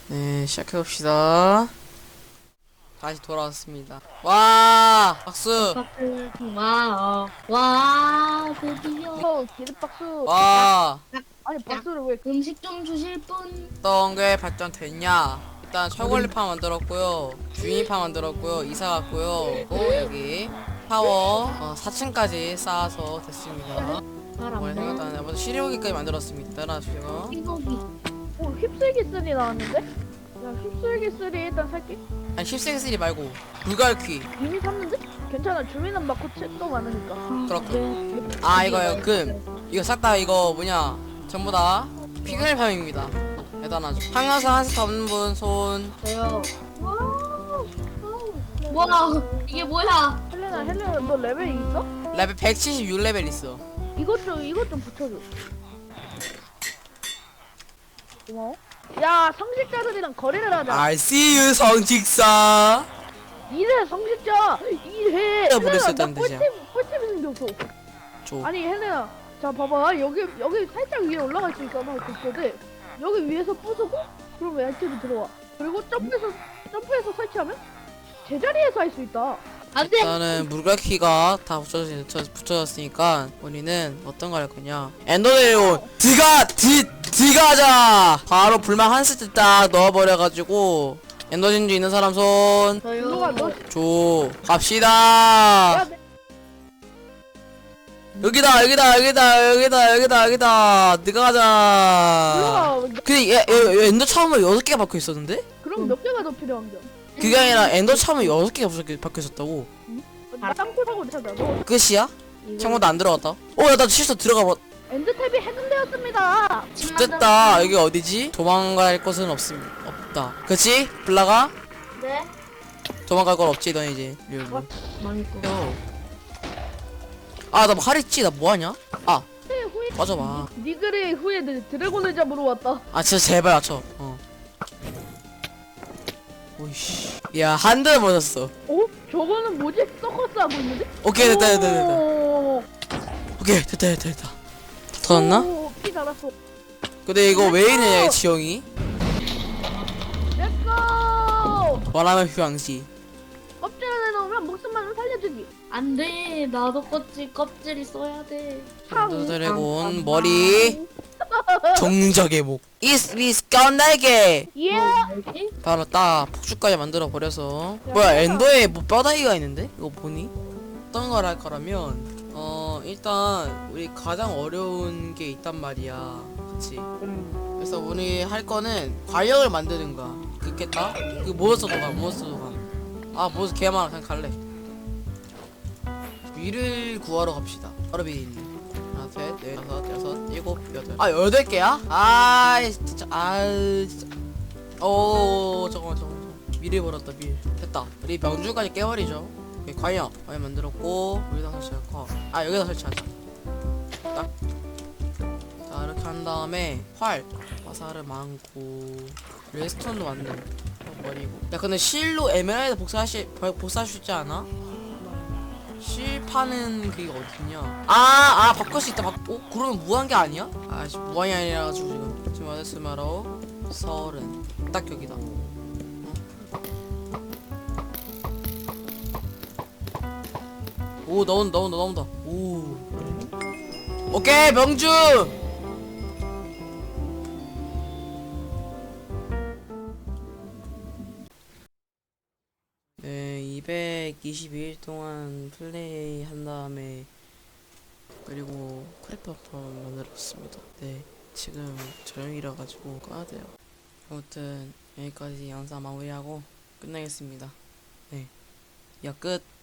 네, 시작해봅시다. 다시 돌아왔습니다. 와, 박수! 박수 고마워. 와 드디어 기립박수. 와, 아니 박수를 왜? 음식 좀 주실 분. 어떤 게 발전됐냐? 일단 철권리판 만들었고요. 주인판 만들었고요. 이사 갔고요. 또 여기 타워 4층까지 쌓아서 됐습니다. 이번에 잘안돼. 생각나는 먼저 시리오기까지 만들었습니다. 따라주세요. 이거기. 휩쓸기 3 나왔는데? 야 휩쓸기 3 일단 살게. 아니, 10세기 말고 불갈퀴. 이미 샀는데? 괜찮아 주민은 많고 책도 많으니까. 그렇군. 아, 이거요. 이거 싹 다 이거 뭐냐? 전부 다 피그밀팜입니다. 대단하죠. 항아서 한 세트 없는 분 손. 저요. 와 이게 뭐야? 헬레나 너 레벨 있어? 레벨 176레벨 있어. 이것 좀 붙여줘. 고마워. 야 성직자들이랑 거래를 하자. I see you 성직사. 이래 성직자 이래. 또 부를 수 헬레나 있다는 나 뜻이야. 꿀팁이 생겼어. 줘. 아니 헬레나 자 봐봐 여기 살짝 위에 올라갈 수 있잖아 그거들 여기 위에서 부수고 그러면 얇게로 들어와 그리고 점프해서 설치하면 제자리에서 할 수 있다. 안돼. 일단은 물갈퀴가 다 붙여졌으니까 우리는 어떤 거 할 거냐? 엔더드래곤 드가자. 바로 불망 한 세트 딱 넣어버려가지고 엔더 진주 있는 사람 손. 누가 너 줘. 야, 갑시다. 여기다. 네가 가자. 누가 근데 얘 엔더 참으면 6개가 박혀 있었는데? 그럼 몇 개가 더 필요한겨? 그게 아니라 엔더 참으면 6개가 박혀 있었다고. 땅굴하고 찾아. 너 끝이야? 창문도 안 들어갔다. 야, 나 실수 들어가 봐. 엔드탭이 해금되었습니다. 됐다. 여기 어디지? 도망갈 곳은 없다. 그치? 블라가? 네. 도망갈 건 없지, 너 이제. 망했고. 아, 나 뭐 하랬지? 나 뭐하냐? 아, 후에 빠져봐. 니글이 후에 드래곤을 잡으러 왔다. 아, 진짜 제발 맞춰. 오이씨. 야, 한 대 맞았어. 어? 저거는 뭐지? 서커스 하고 있는데? 오케이, 됐다. 오, 오케이, 됐다. 다 터졌나? 오, 피 달았어. 근데 이거 왜 이러냐, 지형이? 렛츠고! 원하면 휴양지. 껍질을 내놓으면 목숨만을 살려주기. 안돼. 나도 껍질이 써야 돼. 엔더드래곤 머리 정적의 목 이스 깜날개 예! 여기? 바로 딱 폭주까지 만들어 버려서 뭐야 엔더에 뭐 뼈다귀가 있는데? 이거 보니? 어떤 걸 할 거라면 일단 우리 가장 어려운 게 있단 말이야 그치? 그래서 우리 할 거는 과력을 만드는 거야 그겠다? 그 몬스터도 가 아 몬스터 개 많아 그냥 갈래 위를 구하러 갑시다 바로 위에 있는 하나 셋넷 다섯 여섯 일곱 여덟 8개야? 아이 진짜 진짜 잠깐만 미를 버렸다 밀 됐다 우리 명주까지 깨버리죠 오케이, 과연 만들었고 여기다 설치할까 여기다 설치하자 딱 자 이렇게 한 다음에 활 화살을 많고 레스톤도 만들 버리고 야 근데 실로 에메랄드 복사할 수 있지 않아? 실 파는 그게 어딨냐? 바꿀 수 있다. 그러면 무한 게 아니야? 지금 무한이 아니라 가지고 지금 아데스마로 30. 딱 여기다. 오 나온다. 오. 오케이 명주. 네, 222일 동안 플레이 한 다음에 그리고 크래퍼 만들었습니다. 네, 지금 저녁이라 가지고 꺼야 돼요. 아무튼 여기까지 영상 마무리하고 끝내겠습니다. 네, 야 끝.